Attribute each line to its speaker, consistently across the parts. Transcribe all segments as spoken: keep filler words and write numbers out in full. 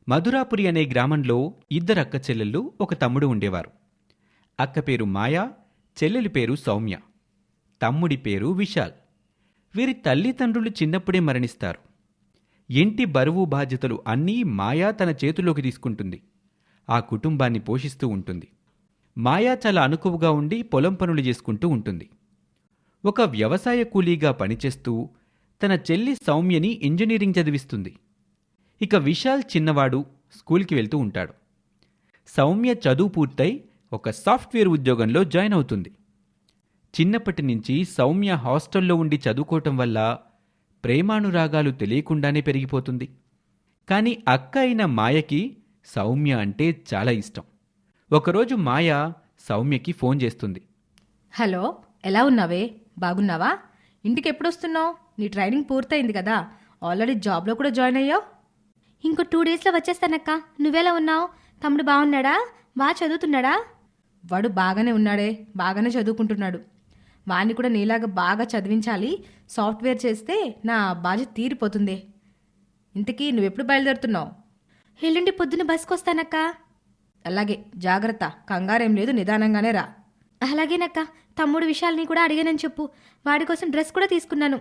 Speaker 1: మధురాపురి అనే గ్రామంలో ఇద్దరు అక్క చెల్లెళ్ళు ఒక తమ్ముడు ఉండేవారు. అక్క పేరు మాయా, చెల్లెలి పేరు సౌమ్య, తమ్ముడి పేరు విశాల్. వీరి తల్లిదండ్రులు చిన్నప్పుడే మరణిస్తారు. ఇంటి బరువు బాధ్యతలు అన్నీ మాయా తన చేతిలోకి తీసుకుంటుంది. ఆ కుటుంబాన్ని పోషిస్తూ ఉంటుంది. మాయా చాలా అనుకువగా ఉండి పొలం పనులు చేసుకుంటూ ఉంటుంది. ఒక వ్యవసాయ కూలీగా పనిచేస్తూ తన చెల్లి సౌమ్యని ఇంజనీరింగ్ చదివిస్తుంది. ఇక విశాల్ చిన్నవాడు, స్కూల్కి వెళ్తూ ఉంటాడు. సౌమ్య చదువు పూర్తయి ఒక సాఫ్ట్వేర్ ఉద్యోగంలో జాయిన్ అవుతుంది. చిన్నప్పటి నుంచి సౌమ్య హాస్టల్లో ఉండి చదువుకోవటం వల్ల ప్రేమానురాగాలు తెలియకుండానే పెరిగిపోతుంది. కానీ అక్క అయిన మాయకి సౌమ్య అంటే చాలా ఇష్టం. ఒకరోజు మాయ సౌమ్యకి ఫోన్ చేస్తుంది.
Speaker 2: హలో, ఎలా ఉన్నావే? బాగున్నావా? ఇంటికి ఎప్పుడొస్తున్నావు? నీ ట్రైనింగ్ పూర్తయింది కదా, ఆల్రెడీ జాబ్లో కూడా జాయిన్ అయ్యావు.
Speaker 3: ఇంకో టూ డేస్లో వచ్చేస్తానక్క. నువ్వెలా ఉన్నావు? తమ్ముడు బాగున్నాడా? బాగా చదువుతున్నాడా?
Speaker 2: వాడు బాగానే ఉన్నాడే, బాగానే చదువుకుంటున్నాడు. వాడిని కూడా నీలాగా బాగా చదివించాలి. సాఫ్ట్వేర్ చేస్తే నా బాధ్యత తీరిపోతుంది. ఇంతకీ నువ్వెప్పుడు బయలుదేరుతున్నావు?
Speaker 3: ఎల్లుండి పొద్దున్న బస్కి వస్తానక్క.
Speaker 2: అలాగే, జాగ్రత్త. కంగారేం లేదు, నిదానంగానే రా.
Speaker 3: అలాగేనక్క. తమ్ముడు విషయాల్ని కూడా అడిగానని చెప్పు. వాడి కోసం డ్రెస్ కూడా తీసుకున్నాను.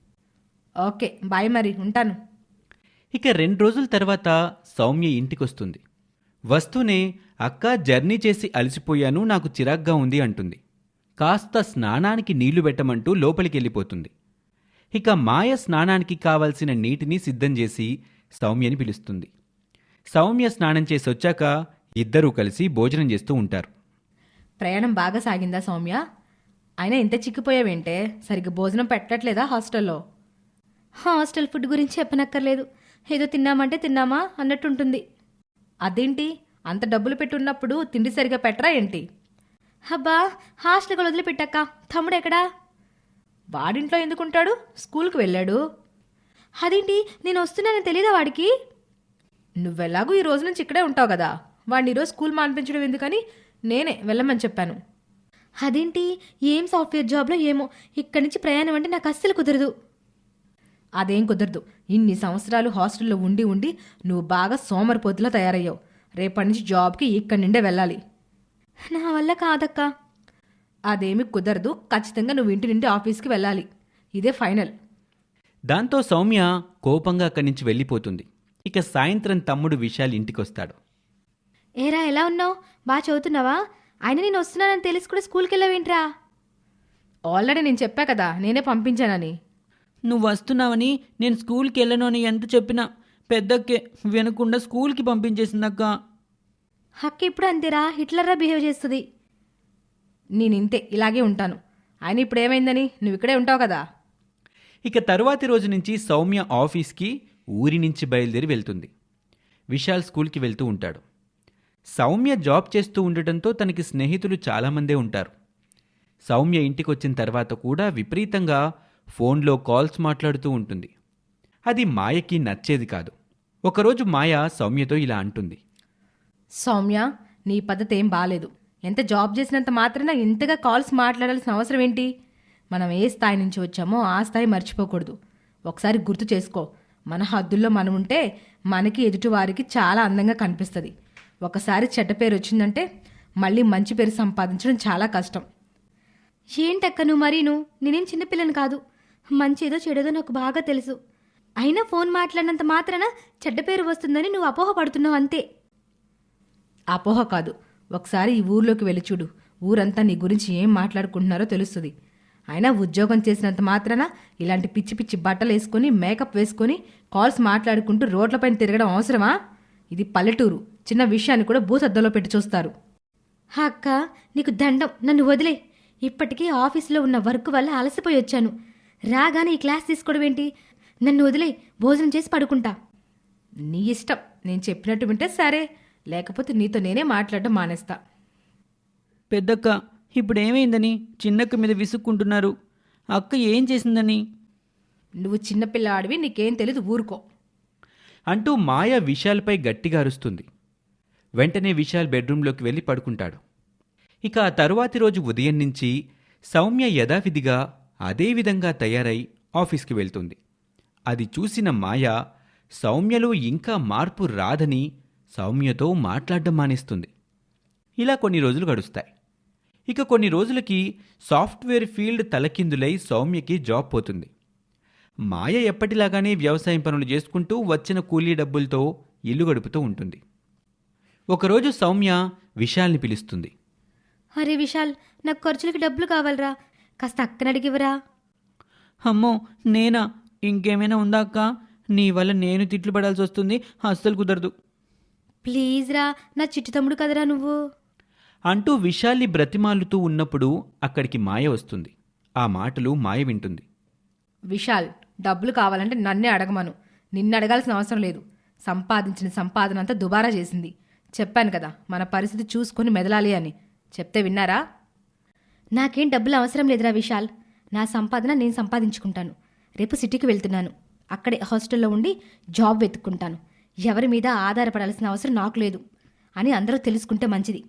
Speaker 2: ఓకే, బాయ్, మరి ఉంటాను.
Speaker 1: ఇక రెండు రోజుల తర్వాత సౌమ్య ఇంటికొస్తుంది. వస్తూనే అక్క జర్నీ చేసి అలసిపోయాను, నాకు చిరాగ్గా ఉంది అంటుంది. కాస్త స్నానానికి నీళ్లు పెట్టమంటూ లోపలికి వెళ్ళిపోతుంది. ఇక మాయ స్నానానికి కావలసిన నీటిని సిద్ధం చేసి సౌమ్యని పిలుస్తుంది. సౌమ్య స్నానం చేసి వచ్చాక ఇద్దరూ కలిసి భోజనం చేస్తూ ఉంటారు.
Speaker 2: ప్రయాణం బాగా సాగిందా సౌమ్య? అయినా ఇంత చిక్కిపోయావేంటే? సరిగ్గా భోజనం పెట్టట్లేదా హాస్టల్లో?
Speaker 3: హాస్టల్ ఫుడ్ గురించి చెప్పనక్కర్లేదు. ఏదో తిన్నామంటే తిన్నామా అన్నట్టుంటుంది.
Speaker 2: అదేంటి, అంత డబ్బులు పెట్టున్నప్పుడు తిండి సరిగా పెట్టరా ఏంటి?
Speaker 3: అబ్బా, హాస్టల్కి వదిలిపెట్టాక. తమ్ముడు ఎక్కడా?
Speaker 2: వాడింట్లో ఎందుకుంటాడు? స్కూల్కి వెళ్ళాడు.
Speaker 3: అదేంటి, నేను వస్తున్నానని తెలీదా వాడికి?
Speaker 2: నువ్వెలాగూ ఈ రోజు నుంచి ఇక్కడే ఉంటావు కదా, వాడిని ఈరోజు స్కూల్ మానిపించడం ఎందుకని నేనే వెళ్ళమని చెప్పాను.
Speaker 3: అదేంటి, ఏం సాఫ్ట్వేర్ జాబ్లో ఏమో, ఇక్కడి నుంచి ప్రయాణం అంటే నాకు అస్సలు కుదరదు.
Speaker 2: అదేం కుదరదు. ఇన్ని సంవత్సరాలు హాస్టల్లో ఉండి ఉండి నువ్వు బాగా సోమరిపోతులా తయారయ్యావు. రేపటి నుంచి జాబ్కి ఇక్కడి నుండే వెళ్ళాలి.
Speaker 3: నా వల్ల కాదక్క.
Speaker 2: అదేమి కుదరదు. ఖచ్చితంగా నువ్వు ఇంటి నుండి ఆఫీస్కి వెళ్ళాలి. ఇదే ఫైనల్.
Speaker 1: దాంతో సౌమ్య కోపంగా అక్కడి నుంచి వెళ్ళిపోతుంది. ఇక సాయంత్రం తమ్ముడు విశాల్ ఇంటికొస్తాడు.
Speaker 3: ఏరా, ఎలా ఉన్నావు? బాగా చదువుతున్నావా? ఆయన నేను వస్తున్నానని తెలిసి కూడా స్కూల్కి వెళ్ళావేంట్రా?
Speaker 2: ఆల్రెడీ నేను చెప్పా కదా, నేనే పంపించానని.
Speaker 4: నువ్వు వస్తున్నావని నేను స్కూల్కి వెళ్ళను అని ఎంత చెప్పినా పెద్దక్కే వినకుండా స్కూల్కి పంపించేసిందక్క.
Speaker 3: హక్కు ఇప్పుడు అంతేరా, హిట్లర్రా బిహేవ్ చేస్తుంది.
Speaker 2: నేను ఇంతే, ఇలాగే ఉంటాను. ఆయన ఇప్పుడు ఏమైందని? నువ్వు ఇక్కడే ఉంటావు కదా.
Speaker 1: ఇక తరువాతి రోజు నుంచి సౌమ్య ఆఫీస్కి ఊరి నుంచి బయలుదేరి వెళ్తుంది. విశాల్ స్కూల్కి వెళ్తూ ఉంటాడు. సౌమ్య జాబ్ చేస్తూ ఉండటంతో తనకి స్నేహితులు చాలామందే ఉంటారు. సౌమ్య ఇంటికొచ్చిన తర్వాత కూడా విపరీతంగా ఫోన్లో కాల్స్ మాట్లాడుతూ ఉంటుంది. అది మాయకి నచ్చేది కాదు. ఒకరోజు మాయ సౌమ్యతో ఇలా అంటుంది.
Speaker 2: సౌమ్య, నీ పద్ధతి ఏం బాలేదు. ఎంత జాబ్ చేసినంత మాత్రాన ఇంతగా కాల్స్ మాట్లాడాల్సిన అవసరం ఏంటి? మనం ఏ స్థాయి నుంచి వచ్చామో ఆ స్థాయి మర్చిపోకూడదు. ఒకసారి గుర్తు చేసుకో. మన హద్దుల్లో మనం ఉంటే మనకి ఎదుటివారికి చాలా అందంగా కనిపిస్తుంది. ఒకసారి చెడ్డ పేరు వచ్చిందంటే మళ్ళీ మంచి పేరు సంపాదించడం చాలా కష్టం.
Speaker 3: ఏంటక్క నువ్వు మరీను? నేనేం చిన్నపిల్లని కాదు. మంచిదో చెడేదో నాకు బాగా తెలుసు. అయినా ఫోన్ మాట్లాడినంత మాత్రాన చెడ్డ పేరు వస్తుందని నువ్వు అపోహ పడుతున్నావు అంతే.
Speaker 2: అపోహ కాదు, ఒకసారి ఈ ఊర్లోకి వెళ్ళి చూడు. ఊరంతా నీ గురించి ఏం మాట్లాడుకుంటున్నారో తెలుస్తుంది. అయినా ఉద్యోగం చేసినంత మాత్రాన ఇలాంటి పిచ్చి పిచ్చి బట్టలు వేసుకొని మేకప్ వేసుకొని కాల్స్ మాట్లాడుకుంటూ రోడ్లపైన తిరగడం అవసరమా? ఇది పల్లెటూరు. చిన్న విషయాన్ని కూడా భూసద్దలో పెట్టి చూస్తారు.
Speaker 3: అక్క, నీకు దండం, నన్ను వదిలే. ఇప్పటికీ ఆఫీసులో ఉన్న వర్క్ వల్ల అలసిపోయి వచ్చాను. రాగానే ఈ క్లాస్ తీసుకోవడం ఏంటి? నన్ను వదిలే, భోజనం చేసి పడుకుంటా.
Speaker 2: నీ ఇష్టం. నేను చెప్పినట్టు వింటే సరే, లేకపోతే నీతో నేనే మాట్లాడడం మానేస్తా.
Speaker 4: పెద్దక్క, ఇప్పుడు ఏమైందని చిన్నక్క మీద విసుక్కుంటున్నారు? అక్క ఏం చేసిందని?
Speaker 2: నువ్వు చిన్నపిల్లాడివి, నీకేం తెలీదు, ఊరుకో
Speaker 1: అంటూ మాయ విశాల్పై గట్టిగా అరుస్తుంది. వెంటనే విశాల్ బెడ్రూంలోకి వెళ్ళి పడుకుంటాడు. ఇక ఆ తరువాతి రోజు ఉదయం నుంచి సౌమ్య యథావిధిగా అదేవిధంగా తయారై ఆఫీస్కి వెళ్తుంది. అది చూసిన మాయ సౌమ్యలో ఇంకా మార్పు రాదని సౌమ్యతో మాట్లాడడం మానేస్తుంది. ఇలా కొన్ని రోజులు గడుస్తాయి. ఇక కొన్ని రోజులకి సాఫ్ట్వేర్ ఫీల్డ్ తలకిందులై సౌమ్యకి జాబ్ పోతుంది. మాయ ఎప్పటిలాగానే వ్యవసాయం పనులు చేసుకుంటూ వచ్చిన కూలీ డబ్బులతో ఇల్లు గడుపుతూ ఉంటుంది. ఒకరోజు సౌమ్య విశాల్ని పిలుస్తుంది.
Speaker 3: అరే విశాల్, నాకు ఖర్చులకి డబ్బులు కావాలరా, కాస్త అక్కన అడిగివరా.
Speaker 4: అమ్మో నేనా? ఇంకేమైనా ఉందా అక్క? నీ వల్ల నేను తిట్లు పడాల్సి వస్తుంది, అస్సలు కుదరదు.
Speaker 3: ప్లీజ్ రా, నా చిట్టి తమ్ముడు కదరా నువ్వు.
Speaker 1: అంటూ విశాల్ని బ్రతిమాలుతూ ఉన్నప్పుడు అక్కడికి మాయ వస్తుంది. ఆ మాటలు మాయ వింటుంది.
Speaker 2: విశాల్, డబ్బులు కావాలంటే నన్నే అడగమను. నిన్ను అడగాల్సిన అవసరం లేదు. సంపాదించిన సంపాదన అంతా దుబారా చేసింది. చెప్పాను కదా, మన పరిస్థితి చూసుకొని మెదలాలి అని. చెప్తే విన్నారా?
Speaker 3: నాకేం డబ్బులు అవసరం లేదురా విశాల్. నా సంపాదన నేను సంపాదించుకుంటాను. రేపు సిటీకి వెళ్తున్నాను. అక్కడే హాస్టల్లో ఉండి జాబ్ వెతుక్కుంటాను. ఎవరి మీద ఆధారపడాల్సిన అవసరం నాకు లేదు అని అందరూ తెలుసుకుంటే మంచిది.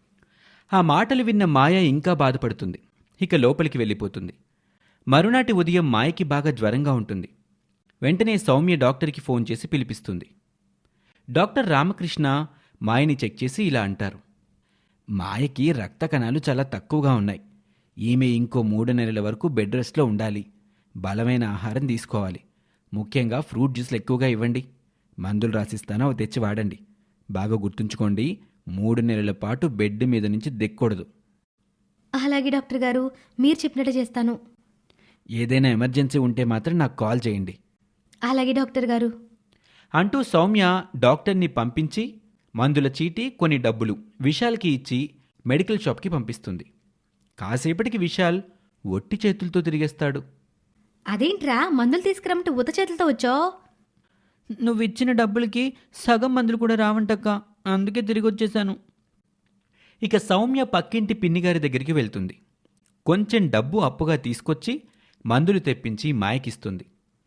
Speaker 1: ఆ మాటలు విన్న మాయ ఇంకా బాధపడుతుంది. ఇక లోపలికి వెళ్ళిపోతుంది. మరునాటి ఉదయం మాయకి బాగా జ్వరంగా ఉంటుంది. వెంటనే సౌమ్య డాక్టర్కి ఫోన్ చేసి పిలిపిస్తుంది. డాక్టర్ రామకృష్ణ మాయని చెక్ చేసి ఇలా అంటారు. మాయకి రక్త కణాలు చాలా తక్కువగా ఉన్నాయి. ఈమె ఇంకో మూడు నెలల వరకు బెడ్ రెస్ట్లో ఉండాలి. బలమైన ఆహారం తీసుకోవాలి. ముఖ్యంగా ఫ్రూట్ జ్యూస్లు ఎక్కువగా ఇవ్వండి. మందులు రాసిస్తాను, అవి తెచ్చి వాడండి. బాగా గుర్తుంచుకోండి, మూడు నెలల పాటు బెడ్ మీద నుంచి దిక్కకూడదు.
Speaker 3: అలాగే డాక్టర్ గారు, మీరు చెప్పినట్టు చేస్తాను.
Speaker 1: ఏదైనా ఎమర్జెన్సీ ఉంటే మాత్రం నాకు కాల్ చేయండి.
Speaker 3: అలాగే డాక్టర్ గారు.
Speaker 1: అంటూ సౌమ్య డాక్టర్ని పంపించి మందుల చీటీ, కొన్ని డబ్బులు విశాల్కి ఇచ్చి మెడికల్ షాప్కి పంపిస్తుంది. కాసేపటికి విశాల్ ఒట్టి చేతులతో తిరిగేస్తాడు.
Speaker 3: అదేంట్రా, మందులు తీసుకురమ్మంటే ఉత చేతులతో వచ్చావు?
Speaker 4: నువ్వు ఇచ్చిన డబ్బులకి సగం మందులు కూడా రావంటక్క, అందుకే తిరిగి వచ్చేసాను.
Speaker 1: ఇక సౌమ్య పక్కింటి పిన్నిగారి దగ్గరికి వెళ్తుంది. కొంచెం డబ్బు అప్పుగా తీసుకొచ్చి మందులు తెప్పించి మాయకిస్తుంది.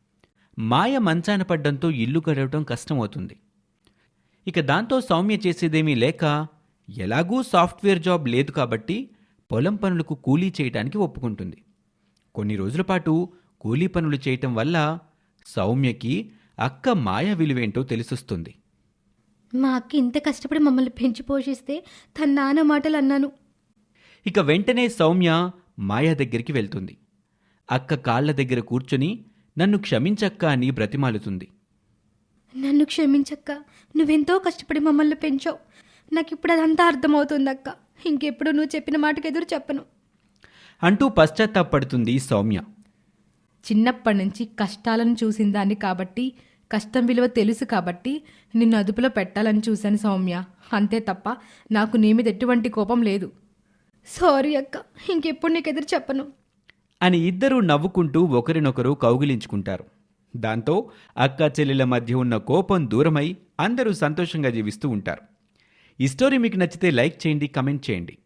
Speaker 1: మాయ మంచాన పడ్డంతో ఇల్లు గడవటం కష్టమవుతుంది. ఇక దాంతో సౌమ్య చేసేదేమీ లేక, ఎలాగూ సాఫ్ట్వేర్ జాబ్ లేదు కాబట్టి పొలం పనులకు కూలీ చేయటానికి ఒప్పుకుంటుంది. కొన్ని రోజుల పాటు కూలీ పనులు చేయటం వల్ల సౌమ్యకి అక్క మాయ విలువేంటో తెలిసొస్తుంది.
Speaker 3: మా అక్క ఇంత కష్టపడి మమ్మల్ని పెంచి పోషిస్తే తన నాన్న మాటలు అన్నాను.
Speaker 1: ఇక వెంటనే సౌమ్య మాయ దగ్గరికి వెళ్తుంది. అక్క కాళ్ల దగ్గర కూర్చొని నన్ను క్షమించక్క అని బ్రతిమాలుతుంది.
Speaker 3: నన్ను క్షమించక్క, నువ్వెంతో కష్టపడి మమ్మల్ని పెంచావు. నాకు ఇప్పుడు అదంతా అర్థమవుతుంది అక్క. ఇంకెప్పుడు నువ్వు చెప్పిన మాటకు ఎదురు చెప్పను
Speaker 1: అంటూ పశ్చాత్తాపడుతుంది సౌమ్య.
Speaker 2: చిన్నప్పటి నుంచి కష్టాలను చూసిన దాన్ని కాబట్టి, కష్టం విలువ తెలుసు కాబట్టి నిన్ను అదుపులో పెట్టాలని చూశాను సౌమ్య. అంతే తప్ప నాకు నీ మీద ఎటువంటి కోపం లేదు.
Speaker 3: సారీ అక్క, ఇంకెప్పుడు నీకు ఎదురు చెప్పను
Speaker 1: అని ఇద్దరూ నవ్వుకుంటూ ఒకరినొకరు కౌగిలించుకుంటారు. దాంతో అక్క చెల్లెల మధ్య ఉన్న కోపం దూరమై అందరూ సంతోషంగా జీవిస్తూ ఉంటారు. ఈ స్టోరీ మీకు నచ్చితే లైక్ చేయండి, కమెంట్ చేయండి.